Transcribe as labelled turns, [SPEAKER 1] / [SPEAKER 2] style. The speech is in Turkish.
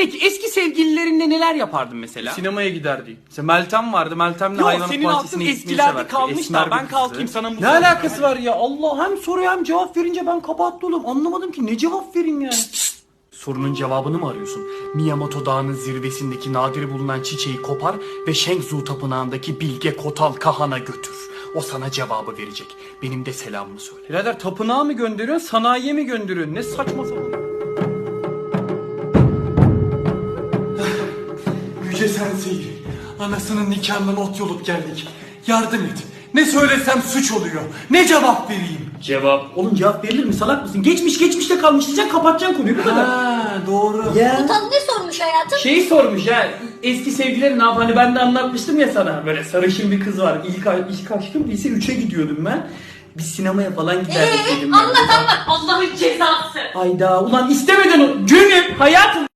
[SPEAKER 1] Peki eski sevgililerinle neler yapardın mesela?
[SPEAKER 2] Sinemaya giderdi. İşte Meltem vardı. Meltem'le
[SPEAKER 1] Yok,
[SPEAKER 2] hayvanat
[SPEAKER 1] senin
[SPEAKER 2] bahçesine
[SPEAKER 1] aklın
[SPEAKER 2] gitmeyi
[SPEAKER 1] eskilerde
[SPEAKER 2] severdi.
[SPEAKER 1] kalmış
[SPEAKER 2] Esmer
[SPEAKER 1] da ben
[SPEAKER 2] bir
[SPEAKER 1] kalkayım
[SPEAKER 2] kızdı.
[SPEAKER 1] sana bu
[SPEAKER 2] Ne alakası var ya? Allah, hem soruya hem cevap verince ben kapattı oğlum. Anlamadım ki ne cevap vereyim yani.
[SPEAKER 1] Sorunun cevabını mı arıyorsun? Miyamoto Dağı'nın zirvesindeki nadir bulunan çiçeği kopar ve Shenzhou Tapınağı'ndaki Bilge Kotal Kahan'a götür. O sana cevabı verecek. Benim de selamımı söyle.
[SPEAKER 2] Birader, tapınağa mı gönderiyorsun, sanayiye mi gönderiyorsun? Ne saçma sapan.
[SPEAKER 3] Yüce Sensei, anasının nikahından ot yolup geldik. Yardım et. Ne söylesem suç oluyor. Ne cevap vereyim?
[SPEAKER 2] Cevap.
[SPEAKER 1] Oğlum cevap verilir mi? Salak mısın? Geçmişte kalmış diyeceksin, kapatacaksın konuyu, bu kadar.
[SPEAKER 3] Ha, doğru.
[SPEAKER 1] Ya.
[SPEAKER 4] Komutan ne sormuş hayatım?
[SPEAKER 2] Şeyi sormuş ya, eski sevgilileri ne yap? Hani ben de anlatmıştım ya sana. Böyle sarışın bir kız var. İlk aşkım, lise 3'e gidiyordum ben. Biz sinemaya falan giderdik dedim.
[SPEAKER 4] Anlat. Allah'ın cezası.
[SPEAKER 2] Hayda, ulan istemeden o günüm hayatım.